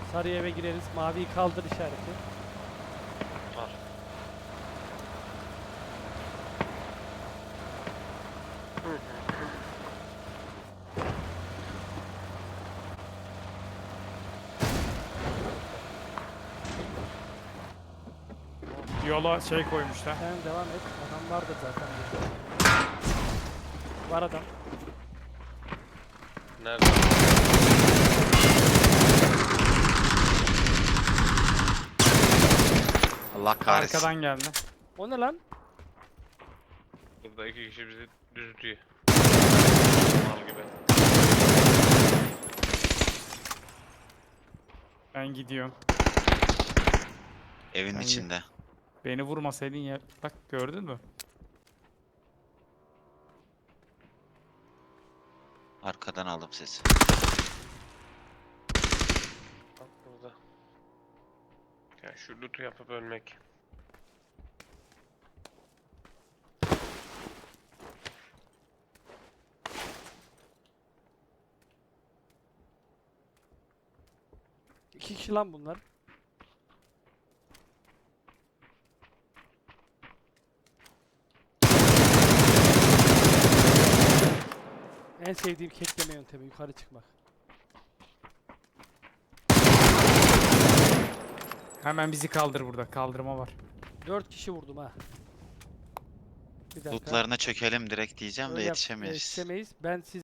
Sarı eve gireriz. Maviyi kaldır işareti. Var. Yola şey koymuşlar. Sen devam et. Adam vardır zaten. Var adam. Nerede? Allah kahretsin. Arkadan geldi. O ne lan? Burada iki kişi bizi düzlüyor. Mal gibi. Ben gidiyorum. Evin Hangi? içinde. Beni vurmasaydın ya. Bak gördün mü? Arkadan aldım sesi. Bak burada. Ya şu loot'u yapıp ölmek. İki kişi lan bunlar. En sevdiğim kekleme yöntemi yukarı çıkmak. Hemen bizi kaldır burada. Kaldırma var. 4 kişi vurdum ha. Bir dakika. Lootlarına çökelim direkt diyeceğim de Öyle yetişemeyiz. yetişemeyiz. Ben siz